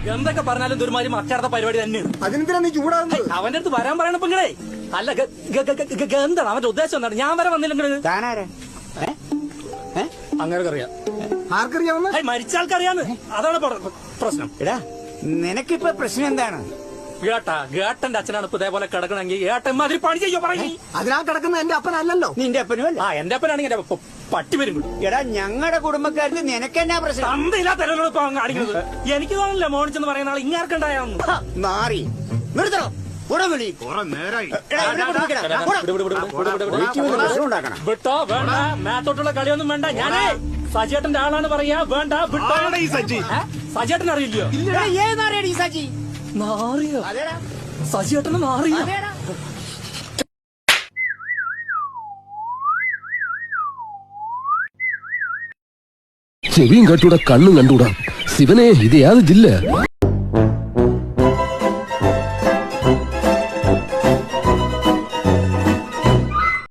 എന്തൊക്കെ പറഞ്ഞാലും ഒരുമാതിരി മറ്റാർത്ത പരിപാടി തന്നെയാണ്. അതിനെന്തിനാ നീ ചൂടാകുന്നത്? അവന്റെ അടുത്ത് വരാൻ പറയണ പെങ്ങളെ. അല്ല എന്താണ് അവന്റെ ഉദ്ദേശം? എന്താണ്? ഞാൻ വരെ വന്നില്ലെങ്കിൽ അങ്ങനെ അറിയാം. ആർക്കറിയാവുന്ന മരിച്ച ആൾക്കറിയാന്ന്. അതാണ് പ്രശ്നം. എടാ നിനക്കിപ്പോ പ്രശ്നം എന്താണ്? ഗേട്ടന്റെ അച്ഛനാണ് ഇപ്പൊ ഇതേപോലെ കിടക്കണമെങ്കിൽ ഏട്ടന്മാതിരി പണി ചെയ്യോ പറയും. അതിനാ കിടക്കുന്ന എന്റെ അപ്പനല്ലല്ലോ. നിന്റെ അപ്പനും അല്ല. എന്റെ അപ്പനാണെങ്കിൽ പട്ടി വരും. എടാ ഞങ്ങളുടെ കുടുംബക്കാർക്ക് നിനക്കെന്നാ പ്രശ്നം? തന്തയില്ലാത്ത കാണിക്കുന്നത്. എനിക്ക് തോന്നില്ല മോണിച്ചെന്ന് പറയുന്ന ആൾ ഇങ്ങാർക്കുണ്ടായാന്ന്. നാറി നിർത്തണം. വിട്ടോ വേണ്ട, മേത്തോട്ടുള്ള കളിയൊന്നും വേണ്ട. ഞാനേ സജിയേട്ടന്റെ ആളാണ് പറയാ. വേണ്ട വിട്ടോ. സജിയേട്ടൻ അറിയില്ലയോ? നാറിയോ? സജിയേട്ടന് നാറിയോ? ചെവിയും കട്ടൂടാ, കണ്ണും കണ്ടൂടാ. ശിവനെ, ഇത് യാതൊരു ജില്ല.